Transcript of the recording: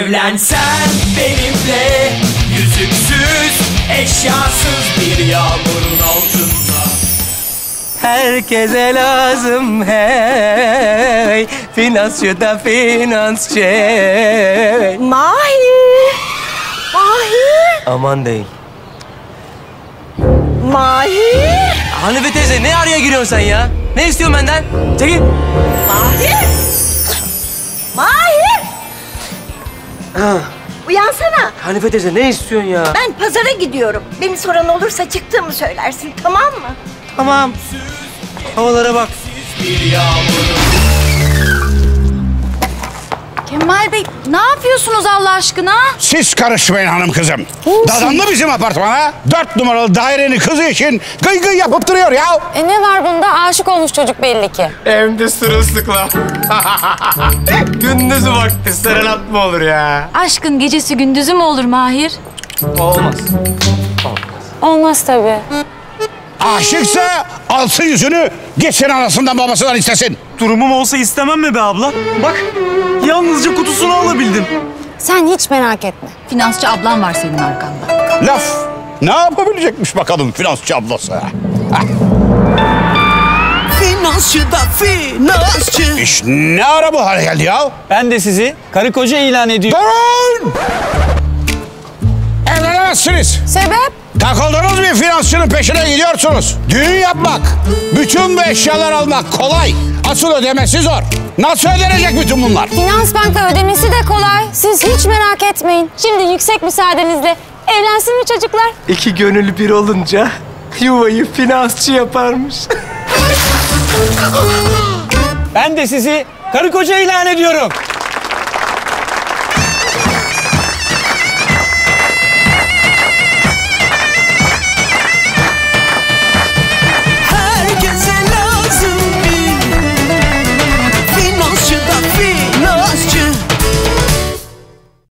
Evlensen benimle, yüzüksüz, eşyasız bir yağmurun altında. Herkese lazım hey, finansçı da finansçı. Mahir! Mahir! Aman değil. Mahir! Hanife teyze ne araya giriyorsun sen ya? Ne istiyorsun benden? Çekil. Mahir! Mahir! Uyansana. Hanife teyze ne istiyorsun ya? Ben pazara gidiyorum. Beni soran olursa çıktığımı söylersin, tamam mı? Tamam. Havalara bak. Bir yağmurun. Kemal Bey ne yapıyorsunuz Allah aşkına? Siz karışmayın hanım kızım. Dadandı bizim apartmana. 4 numaralı dairenin kızı için gıy gıy yapıp duruyor ya. Ne var bunda? Aşık olmuş çocuk belli ki. Hem de sırılsıklam. Gündüzü vakti serenat mı olur ya? Aşkın gecesi gündüzü mü olur Mahir? Olmaz. Olmaz tabii. Aşıksa alsın yüzünü, gitsin anasından babasından istesin. Durumum olsa istemem mi be abla? Bak, yalnızca kutusunu alabildim. Sen hiç merak etme. Finansçı ablan var senin arkanda. Laf, ne yapabilecekmiş bakalım finansçı ablası? Finansçı da finansçı. İş ne ara bu hale geldi ya? Ben de sizi karı koca ilan ediyorum. Durun! Evlenemezsiniz. Sebep? Takıldınız bir finansçının peşine gidiyorsunuz. Düğün yapmak, bütün bu eşyalar almak kolay. Asıl ödemesi zor. Nasıl ödenecek bütün bunlar? Finans banka ödemesi de kolay. Siz hiç merak etmeyin. Şimdi yüksek müsaadenizle evlensin mi çocuklar? İki gönül bir olunca yuvayı finansçı yaparmış. Ben de sizi karı koca ilan ediyorum.